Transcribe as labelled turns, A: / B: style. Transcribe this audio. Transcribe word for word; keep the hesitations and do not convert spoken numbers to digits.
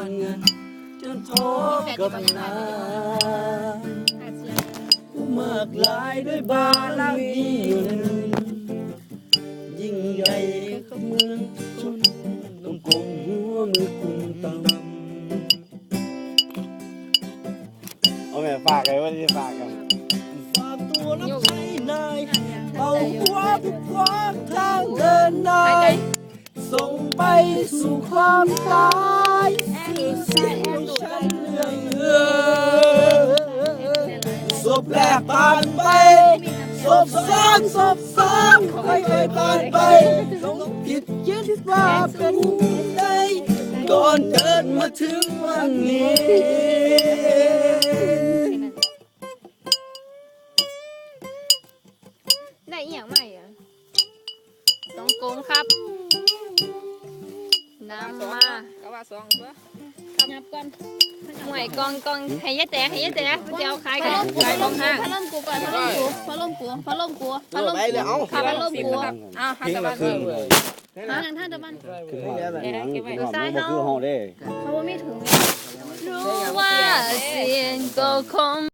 A: เงินจนทบกับนายมากลายด้วยบารมียิ่งใหญ่กับเมืองชนต้องกลมหัวมือกุมต่ำเอาแม่ฝากไงว่าจะฝากกันฝากตัวรับใช้นายเอาหัวทุกขวางทางเดินนายส่งไปสู่ความตายสื่อเสียงฉันเรื่องเงือศพแรกผ่านไปศพสองศพสามค่อยๆผ่านไปต้องผิดคิดว่าเป็นใดก่อนเดินมาถึงวันนี้
B: ได้อีหยังใหม่อ่ะสองโกงครับน้ำมา
C: ก็ว่าสองตัว
B: นับก่อนหวยกองกองให้ยายแต่ให้ยายแต่เดี๋ยวขายกันขายกองห้าง
D: พัดลมกูก่อนพัดลมกูพัดลมกูพัดลมกูพัดลม
A: ไปเลยเอา
D: พัดลมกู
C: อ้าวห้าสิบบาท
D: หาทางท่านตะบัน
A: คือห้องคือห้องเด้
D: เขาว่าไม่ถึง
B: รู้ว่าเสียงก็คง